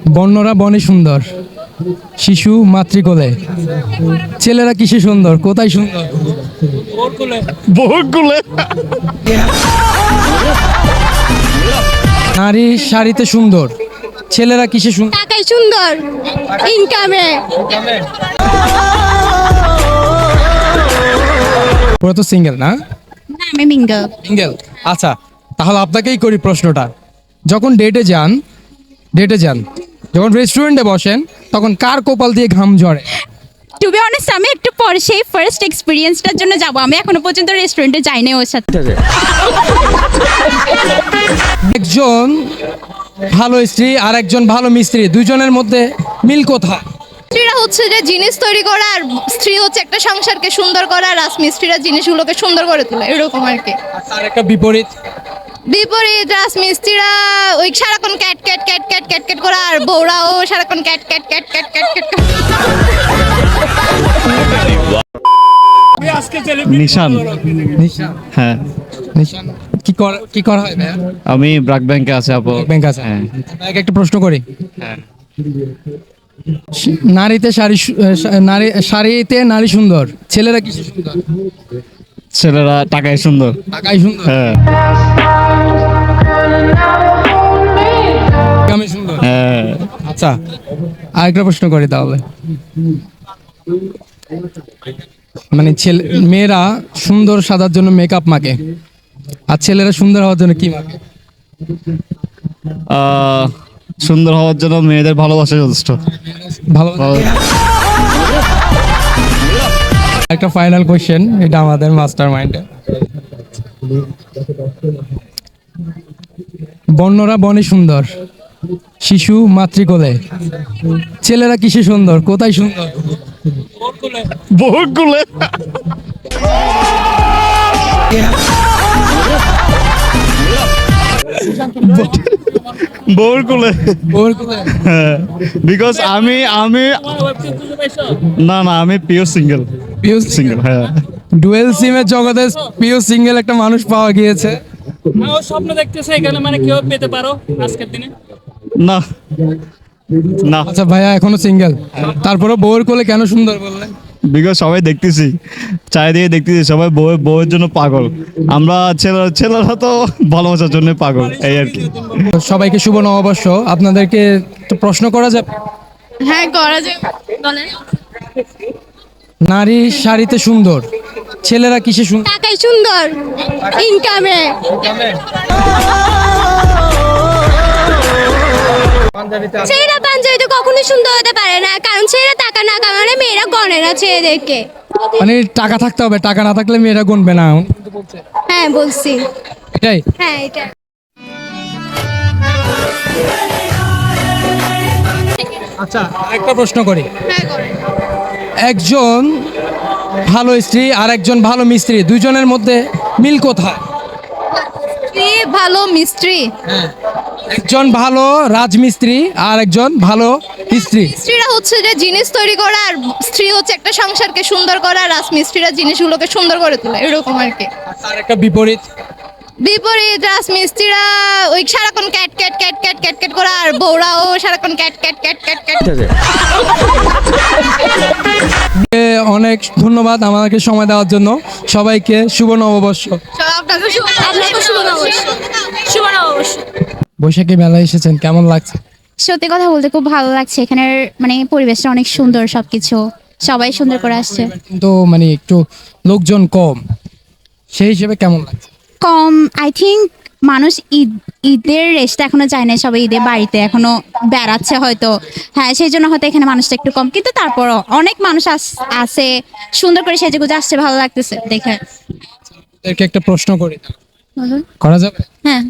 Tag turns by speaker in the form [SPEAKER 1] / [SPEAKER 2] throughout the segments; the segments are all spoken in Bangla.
[SPEAKER 1] বন্যরা বনে সুন্দর, শিশু মাতৃকোলে, ছেলেরা কিসে সুন্দর, কোথায় সুন্দর?
[SPEAKER 2] বহুকুলে।
[SPEAKER 1] নারী শাড়িতে সুন্দর, ছেলেরা কিসে সুন্দর?
[SPEAKER 3] টাকাই সুন্দর, ইনকামে।
[SPEAKER 1] পুরো তো সিঙ্গেল না?
[SPEAKER 3] না, আমি মিঙ্গল।
[SPEAKER 1] সিঙ্গেল। আচ্ছা, তাহলে আপনাকেই করি প্রশ্নটা। যখন ডেটে যান, যখন রেস্টুরেন্টে বসেন, তখন কার কপাল দিয়ে ঘাম ঝরে?
[SPEAKER 3] টু বি অনেস্ট, আমি একটু পরে সেই ফার্স্ট এক্সপিরিয়েন্সটার জন্য যাব। আমি এখনো পর্যন্ত রেস্টুরেন্টে যাইনি ওর সাথে।
[SPEAKER 1] একজন ভালো স্ত্রী আর একজন ভালো মিস্ত্রি, দুইজনের মধ্যে মিল কোথায়?
[SPEAKER 4] স্ত্রীরা হচ্ছে যে জিনিস তৈরি করা, আর স্ত্রী হচ্ছে একটা সংসারকে সুন্দর করা, আর রাজমিস্ত্রিরা জিনিসগুলোকে সুন্দর করে তোলে, এরকম আর কি।
[SPEAKER 1] আর তার একটা বিপরীত।
[SPEAKER 4] বিপরীত রাজমিস্ত্রিরা ওই সারাক্ষণ ক্যাট ক্যাট ক্যাট ক্যাট ক্যাট ক্যাট করা, আর বউরাও সারাক্ষণ ক্যাট ক্যাট ক্যাট ক্যাট ক্যাট ক্যাট।
[SPEAKER 2] নিশান। হ্যাঁ,
[SPEAKER 1] নিশান কি করা হয় ভাইয়া?
[SPEAKER 2] আমি ব্র্যাক ব্যাংকে আছে আপু।
[SPEAKER 1] ব্যাংক আছে।
[SPEAKER 2] হ্যাঁ।
[SPEAKER 1] আপনাকে একটা প্রশ্ন করি।
[SPEAKER 2] হ্যাঁ।
[SPEAKER 1] শাড়িতে নারী সুন্দর, ছেলেরা কি সুন্দর?
[SPEAKER 2] ছেলেরা টাকায় সুন্দর।
[SPEAKER 1] টাকাই সুন্দর,
[SPEAKER 2] হ্যাঁ।
[SPEAKER 1] আমি সুন্দর।
[SPEAKER 2] হ্যাঁ।
[SPEAKER 1] আচ্ছা, আরেকটা প্রশ্ন করি তাহলে। মানে মেয়েরা সুন্দর সাজার জন্য মেকআপ মাখে, আর ছেলেরা সুন্দর হওয়ার জন্য কি মাখে?
[SPEAKER 2] সুন্দর হওয়ার জন্য মেয়েদের ভালোবাসা যথেষ্ট।
[SPEAKER 1] ভালো। একটা ফাইনাল কোশ্চেন, এটা আমাদের মাস্টার মাইন্ডে। বন্যরা বনে সুন্দর, শিশু মাতৃকোলে, ছেলেরা কিসে সুন্দর, কোথায় সুন্দর?
[SPEAKER 2] বহুকুলে। বহুকুলে। হ্যাঁ, বিকজ আমি না আমি পিওর সিঙ্গেল। সিঙ্গেল, হ্যাঁ।
[SPEAKER 1] ডুয়েল সিমের জগতে পিওর সিঙ্গেল একটা মানুষ পাওয়া গিয়েছে।
[SPEAKER 5] ও স্বপ্ন দেখতেছে এখানে, মানে কেউ পেতে পারো আজকের দিনে।
[SPEAKER 2] না না,
[SPEAKER 1] আচ্ছা ভাইয়া এখনো সিঙ্গেল, তারপরে বউয়ের কোলে কেন সুন্দর বললেন?
[SPEAKER 2] বিকজ সবাই দেখতেছি, চারিদিকে দেখতেছি, সবাই বউয়ের জন্য পাগল। আমরা ছেলেরা তো ভালোবাসার জন্য পাগল, এই আর কি।
[SPEAKER 1] সবাইকে শুভ নববর্ষ। আপনাদেরকে তো প্রশ্ন করা যাবে?
[SPEAKER 4] হ্যাঁ, করা যায়, বলেন।
[SPEAKER 1] নারী শাড়িতে সুন্দর, ছেলেরা কিসে সুন্দর?
[SPEAKER 3] টাকাই সুন্দর, ইনকামে। ছেলেরা পাঞ্জাবি তো কখনোই সুন্দর হতে পারে না, কারণ ছেলেরা টাকা না কামালে মেয়েরা গণে না ছেলেদেরকে।
[SPEAKER 1] মানে টাকা থাকতে হবে, টাকা না থাকলে মেয়েরা গুনবে না।
[SPEAKER 3] হ্যাঁ বলছি।
[SPEAKER 1] এটাই।
[SPEAKER 3] হ্যাঁ, এটা।
[SPEAKER 1] আচ্ছা, একটা প্রশ্ন করি।
[SPEAKER 4] হ্যাঁ, করেন।
[SPEAKER 1] একজন ভালো স্ত্রী আর একজন ভালো মিস্ত্রি, দুইজনের মধ্যে মিল কোথায়?
[SPEAKER 4] স্ত্রী ভালো মিস্ত্রি,
[SPEAKER 1] একজন ভালো রাজমিস্ত্রি আর একজন ভালো স্ত্রী।
[SPEAKER 4] স্ত্রীরা হচ্ছে যে জিনিস তৈরি করা, আর স্ত্রী হচ্ছে একটা সংসারকে সুন্দর করা, আর রাজমিস্ত্রিরা জিনিসগুলোকে সুন্দর করে তোলে, এরকম আর কি।
[SPEAKER 1] আর তার একটা বিপরীত।
[SPEAKER 4] বিপরীত রাজমিস্ত্রিরা ওই সারাক্ষণ ক্যাট ক্যাট ক্যাট ক্যাট ক্যাট ক্যাট করা, আর বউরাও সারাক্ষণ ক্যাট ক্যাট ক্যাট ক্যাট ক্যাট।
[SPEAKER 1] অনেক ধন্যবাদ আমাকে সময় দেওয়ার জন্য। সবাইকে শুভ নববর্ষ।
[SPEAKER 4] আপনাকে
[SPEAKER 3] শুভ নববর্ষ। শুভ নববর্ষ।
[SPEAKER 1] বৈশাখী মেলায় এসেছেন, কেমন লাগছে?
[SPEAKER 3] সত্যি কথা বলতে খুব ভালো লাগছে। এখানের মানে পরিবেশটা অনেক সুন্দর, সবকিছু সবাই সুন্দর করে আসছে।
[SPEAKER 1] কিন্তু মানে একটু লোকজন কম, সেই হিসেবে কেমন লাগছে?
[SPEAKER 3] কম, আই থিঙ্ক মানুষ ঈদের রেস্টটা এখনো যায় না, সবাই ঈদের বাড়িতে এখনো বেড়াচ্ছে হয়তো। হ্যাঁ, সেই জন্য হয়তো এখানে মানুষটা একটু কম, কিন্তু তারপরও অনেক মানুষ আছে, সুন্দর করে সেজেগুজে আসছে, ভালো লাগতেছে দেখে।
[SPEAKER 1] এদেরকে একটা প্রশ্ন করি, করা যাবে?
[SPEAKER 3] হ্যাঁ।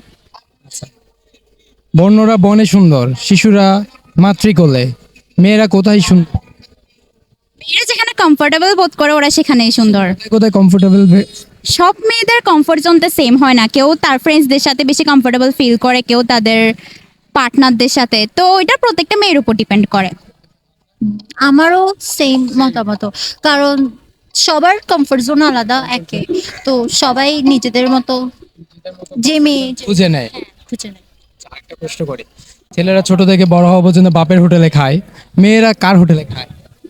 [SPEAKER 1] বন্যরা বনে সুন্দর, শিশুরা মাতৃকোলে, মেয়েরা কোথায় সুন্দর?
[SPEAKER 3] মেয়েরা যেখানে কমফোর্টেবল বোধ করে ওরা সেখানেই সুন্দর।
[SPEAKER 1] কোথায় কমফোর্টেবল?
[SPEAKER 3] সব মেয়েদের কমফোর্ট জোন তো সেম হয় না, কেউ তার ফ্রেন্ডসদের সাথে বেশি কমফোর্টেবল ফিল করে, কেউ তাদের পার্টনারদের সাথে। তো এটা প্রত্যেকটা মেয়ের উপর ডিপেন্ড করে।
[SPEAKER 6] আমারও সেম মতামত, কারণ সবার কমফোর্ট জোন আলাদা একে, তো সবাই নিজেদের মতো যে মেয়ে
[SPEAKER 1] বুঝে নেয়।
[SPEAKER 6] খুঁজে নেয়।
[SPEAKER 1] একটা প্রশ্ন করি, ছেলেরা ছোট থেকে বড় হওয়া পর্যন্ত বাপের হোটেলে খায়, মেয়েরা কার হোটেলে খায়?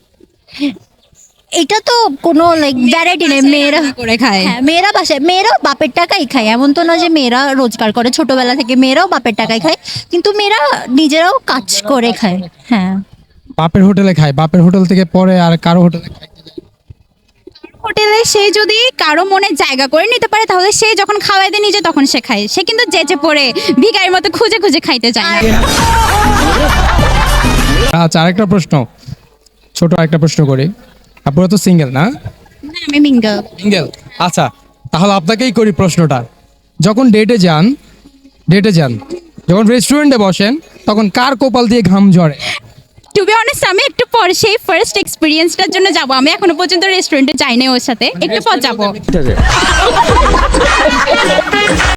[SPEAKER 6] এটা তো কোনো লাইক ভ্যারাইটি নেই, মেয়েরা
[SPEAKER 3] করে খায়।
[SPEAKER 6] হ্যাঁ মেয়েরা বাসায়, মেয়েরাও বাপের টাকাই খায়, এমন তো না যে মেয়েরা রোজগার করে, ছোটবেলা থেকে মেয়েরাও বাপের টাকাই খায়, কিন্তু মেয়েরা নিজেরাও কাজ করে খায়। হ্যাঁ
[SPEAKER 1] বাপের হোটেলে খায়, বাপের হোটেল থেকে পরে আর কারো হোটেলে খায়?
[SPEAKER 3] হোটেলে সে যদি কারো মনে জায়গা করে নিতে পারে তাহলে সে যখন খাওয়াই দেয় নিজে তখন সে খায়, সে কিন্তু যেচে পড়ে ভিখারির মতো খুঁজে খুঁজে খাইতে চায় না।
[SPEAKER 1] আচ্ছা, আরেকটা প্রশ্ন, ছোট আরেকটা প্রশ্ন করি। আপনারা তো সিঙ্গেল না?
[SPEAKER 3] আমি মিঙ্গল।
[SPEAKER 1] সিঙ্গেল। আচ্ছা, তাহলে আপনাকেই করি প্রশ্নটা। যখন ডেটে যান, যখন রেস্টুরেন্টে বসেন, তখন কার কপাল দিয়ে ঘাম ঝরে?
[SPEAKER 3] টু বি অনেস্ট আমি একটু পরে সেই ফার্স্ট এক্সপিরিয়েন্সটার জন্য যাব, আমি এখনো পর্যন্ত রেস্টুরেন্টে যাইনি ওর সাথে, একটু পর যাবো।